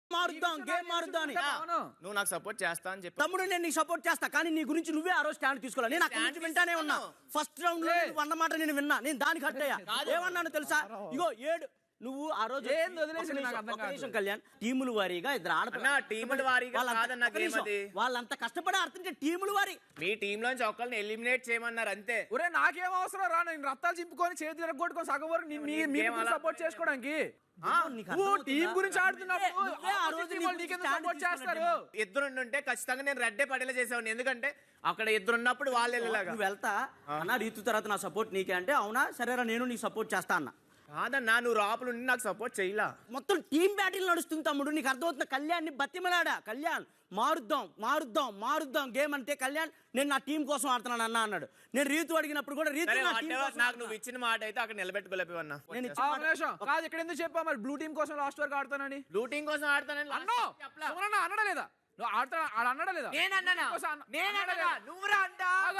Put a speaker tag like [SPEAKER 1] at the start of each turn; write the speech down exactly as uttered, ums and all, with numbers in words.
[SPEAKER 1] మారుద్దాం, game మారుద్దాం అని.
[SPEAKER 2] నువ్వు నాకు సపోర్ట్ చేస్తా అని చెప్పి
[SPEAKER 1] తమ్ముడు నేను నీకు సపోర్ట్ చేస్తా, కానీ నీ గురించి నువ్వే ఆ రోజు స్టాండ్ తీసుకోవాలి. నేను అక్కడి నుంచి వింటానే ఉన్నా. ఫస్ట్ రౌండ్ లో అన్నమాట నేను విన్నా, నేను దానికి హర్ట్ అయ్యా. ఏమన్నాను తెలుసా? ఇగో ఏడు నువ్వు ఆ రోజు కళ్యాణ్ టీముల వారీగా ఇద్దరు ఆడతారు.
[SPEAKER 2] టీముల వారీగా
[SPEAKER 1] వాళ్ళంతా కష్టపడి ఆడుతుంటే టీముల వారి
[SPEAKER 2] మీ టీమ్ లోంచి ఒకరిని ఎలిమినేట్ చేయమన్నారు అంతే.
[SPEAKER 3] ఒరే నాకేం అవసరం రా, నేను రత్తాలు చింపుకొని చేతి తిరగొట్టుకొని సగం వరకు సపోర్ట్ చేసుకోవడానికి. టీం గురించి ఆడుతున్నప్పుడు
[SPEAKER 2] ఇద్దరు ఉంటే ఖచ్చితంగా నేను రెడ్డే పడేలా చేసేవాడిని. ఎందుకంటే అక్కడ ఇద్దరు ఉన్నప్పుడు వాళ్ళు వెళ్ళేలాగా.
[SPEAKER 1] నువ్వు వెళ్తా అన్న రీతు తర్వాత నా సపోర్ట్ నీకే అంటే, అవునా సరేరా నేను నీకు సపోర్ట్ చేస్తా అన్న.
[SPEAKER 2] కాదన్నా నువ్వు రాపులు నాకు సపోర్ట్ చేయలా.
[SPEAKER 1] మొత్తం టీం బ్యాటిల్ నడుస్తుంది తమ్ముడు, నీకు అర్థమవుతున్న. కళ్యాణ్ని బతిమలాడా, కళ్యాణ్ మారుద్దాం మారుద్దాం మారుద్దాం గేమ్ అంటే, కళ్యాణ్ నేను నా టీం కోసం ఆడుతున్నాను అన్న అన్నాడు. నేను రీతు అడిగినప్పుడు కూడా రీతు
[SPEAKER 2] నాకు నువ్వు ఇచ్చిన మాట అయితే అక్కడ నిలబెట్టుకోలేవన్నా.
[SPEAKER 3] నేను కాదు ఇక్కడ ఎందుకు చెప్పా మరి బ్లూ టీం కోసం లాస్ట్ వరకు ఆడతానని.
[SPEAKER 2] బ్లూ టీం కోసం ఆడతానని
[SPEAKER 3] అన్నడా లేదా? నువ్వు ఆడతా అన్నాడా లేదా?
[SPEAKER 2] నేను అన్నా, నువ్వు రా అంటా.